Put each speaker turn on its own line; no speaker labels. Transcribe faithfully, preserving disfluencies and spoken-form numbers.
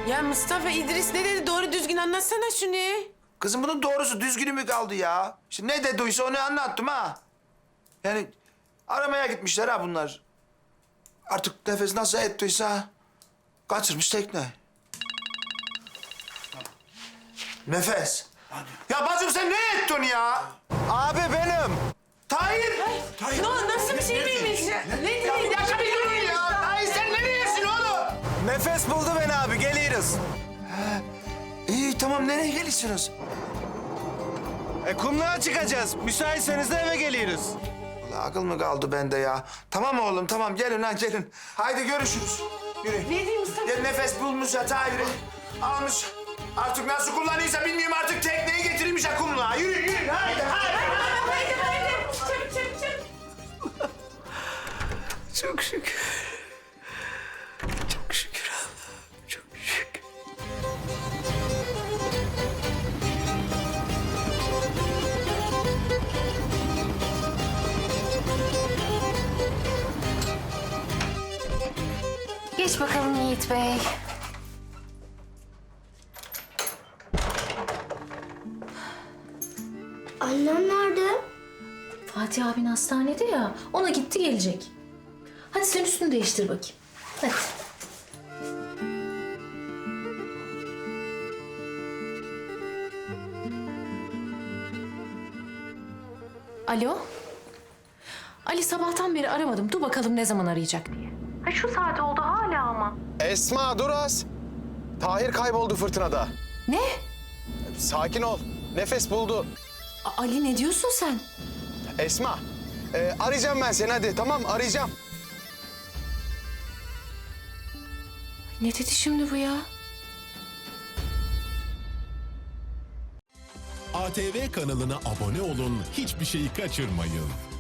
Ya Mustafa İdris ne dedi? Doğru düzgün anlatsana şunu.
Kızım bunun doğrusu düzgünü mü kaldı ya? İşte ne dediyse onu anlattım ha. Yani aramaya gitmişler ha bunlar. Artık nefes nasıl ettiyse kaçırmış tekne. Nefes. Ya bacım sen ne ettin ya?
Abi benim.
Tahir.
Ne oldu? Nasıl bir şey miymiş? Ne dedi?
Ya bir dakika bir durun ya. Tahir sen nereyesin oğlum?
Nefes buldu beni abi, geliyoruz.
İyi tamam nereye geliyorsunuz?
E kumluğa çıkacağız. Müsaitseniz de eve geliyoruz.
Vallahi akıl mı kaldı bende ya? Tamam oğlum tamam gelin lan gelin. Haydi görüşürüz. Yürü.
Ne diyeyim Mustafa?
Gel nefes bulmuş ya Tahir'i. Almış. Artık nasıl kullanıyorsa bilmiyorum artık tekneyi getirmiş ya kumluğa. Yürü yürü haydi haydi.
Haydi haydi. Çabuk çabuk çabuk.
Çok şükür. Çok şükür Allah'ım. Çok şükür.
Geç bakalım Yiğit Bey.
Annem nerede?
Fatih abin hastanede ya. Ona gitti gelecek. Hadi sen üstünü değiştir bakayım. Hadi. Alo? Ali sabahtan beri aramadım. Dur bakalım ne zaman arayacak diye. Ha şu saat oldu hala ama.
Esma dur az. Tahir kayboldu fırtınada.
Ne?
Sakin ol. Nefes buldu.
A- Ali ne diyorsun sen?
Esma, e, arayacağım ben seni hadi. Tamam arayacağım.
Ne dedi şimdi bu ya?
A T V kanalına abone olun, hiçbir şeyi kaçırmayın.